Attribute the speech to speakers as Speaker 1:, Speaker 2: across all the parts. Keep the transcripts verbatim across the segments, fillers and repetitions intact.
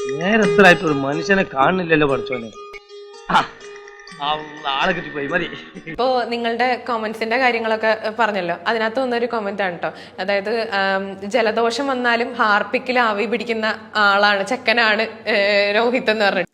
Speaker 1: നേരത്തിലായിട്ട് ഒരു മനുഷ്യനെ കാണുന്നില്ലല്ലോ പഠിച്ചോനെ. ആളെ കിട്ടിപ്പോയി മതി.
Speaker 2: ഇപ്പോ നിങ്ങളുടെ കോമന്റ്സിന്റെ കാര്യങ്ങളൊക്കെ പറഞ്ഞല്ലോ, അതിനകത്ത് വന്നൊരു കോമന്റ് ആണ് കേട്ടോ. അതായത് ജലദോഷം വന്നാലും ഹാർപ്പിക്കിൽ ആവി പിടിക്കുന്ന ആളാണ്, ചെക്കനാണ് രോഹിത് എന്ന് പറഞ്ഞിട്ട്.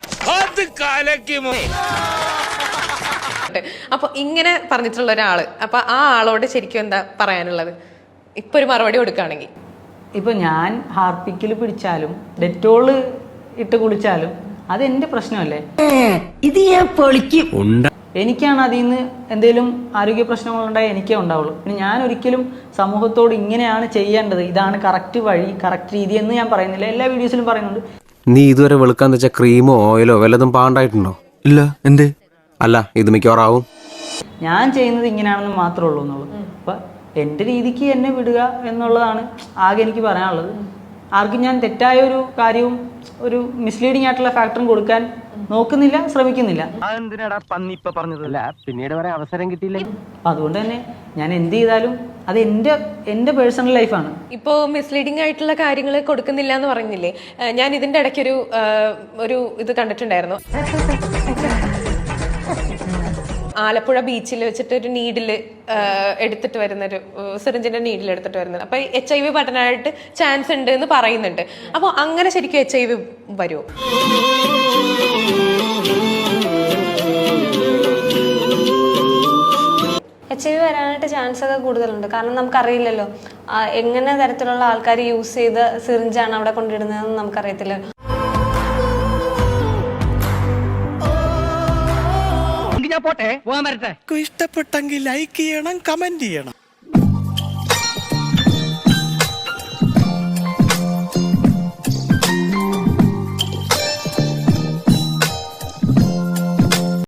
Speaker 2: അപ്പൊ ഇങ്ങനെ പറഞ്ഞിട്ടുള്ള ഒരാള്, അപ്പൊ ആ ആളോട് ശരിക്കും എന്താ പറയാനുള്ളത് ഇപ്പൊ ഒരു മറുപടി കൊടുക്കുകയാണെങ്കിൽ?
Speaker 3: ഇപ്പൊ ഞാൻ ഹാർപ്പിക്കിൽ പിടിച്ചാലും ഡെറ്റോള് ഇട്ട് കുളിച്ചാലും അത് എന്റെ പ്രശ്നമല്ലേ.
Speaker 4: ഇത് ഞാൻ പൊളിക്കും.
Speaker 3: എനിക്കാണ് അതിൽ നിന്ന് എന്തെങ്കിലും ആരോഗ്യ പ്രശ്നങ്ങളുണ്ടായാൽ എനിക്കേ ഉണ്ടാവുള്ളൂ. പിന്നെ ഞാൻ ഒരിക്കലും സമൂഹത്തോട് ഇങ്ങനെയാണ് ചെയ്യേണ്ടത്, ഇതാണ് കറക്റ്റ് വഴി, കറക്റ്റ് രീതി എന്ന് ഞാൻ പറയുന്നില്ല. എല്ലാ വീഡിയോസിലും പറയുന്നുണ്ട്.
Speaker 5: നീ ഇതുവരെ വെളുക്കാന്ന് വെച്ച ക്രീമോ ഓയിലോ വല്ലതും പാണ്ടായിട്ടുണ്ടോ?
Speaker 6: ഇല്ല. എന്തേ?
Speaker 5: അല്ല, ഇത് മിക്കവാറാവും.
Speaker 3: ഞാൻ ചെയ്യുന്നത് ഇങ്ങനെയാണെന്ന് മാത്രമേ ഉള്ളൂ എന്നുള്ളൂ. അപ്പൊ എന്റെ രീതിക്ക് എന്നെ വിടുക എന്നുള്ളതാണ് ആകെ എനിക്ക് പറയാനുള്ളത്. ആർക്കും ഞാൻ തെറ്റായ ഒരു കാര്യവും ഒരു മിസ്ലീഡിംഗ് ആയിട്ടുള്ള ഫാക്ടറും കൊടുക്കാൻ നോക്കുന്നില്ല, ശ്രമിക്കുന്നില്ല.
Speaker 5: പിന്നീട് വരെ അവസരം കിട്ടിയില്ല.
Speaker 3: അപ്പൊ അതുകൊണ്ട് തന്നെ ഞാൻ എന്ത് ചെയ്താലും അത് എന്റെ എന്റെ പേഴ്സണൽ ലൈഫാണ്.
Speaker 2: ഇപ്പോ മിസ്ലീഡിംഗ് ആയിട്ടുള്ള കാര്യങ്ങൾ കൊടുക്കുന്നില്ല എന്ന് പറഞ്ഞില്ലേ, ഞാൻ ഇതിന്റെ ഇടയ്ക്കൊരു ഒരു ഇത് കണ്ടിട്ടുണ്ടായിരുന്നു. ആലപ്പുഴ ബീച്ചിൽ വെച്ചിട്ട് ഒരു നീഡില് എടുത്തിട്ട് വരുന്നൊരു സിറിഞ്ചിന്റെ നീഡിൽ എടുത്തിട്ട് വരുന്നത്. അപ്പൊ എച്ച് ഐ വി പടനായിട്ട് ചാൻസ് ഉണ്ട് എന്ന് പറയുന്നുണ്ട്. അപ്പൊ അങ്ങനെ ശരിക്കും എച്ച് ഐ വി വരുമോ?
Speaker 7: എച്ച് ഐ വി വരാനായിട്ട് ചാൻസ് ഒക്കെ കൂടുതലുണ്ട്. കാരണം നമുക്കറിയില്ലല്ലോ എങ്ങനെ തരത്തിലുള്ള ആൾക്കാർ യൂസ് ചെയ്ത സിറിഞ്ചാണ് അവിടെ കൊണ്ടിടുന്നതെന്ന് നമുക്കറിയത്തില്ല.
Speaker 6: ഇഷ്ടപ്പെട്ടെങ്കിൽ ലൈക്ക് ചെയ്യണം, കമന്റ് ചെയ്യണം.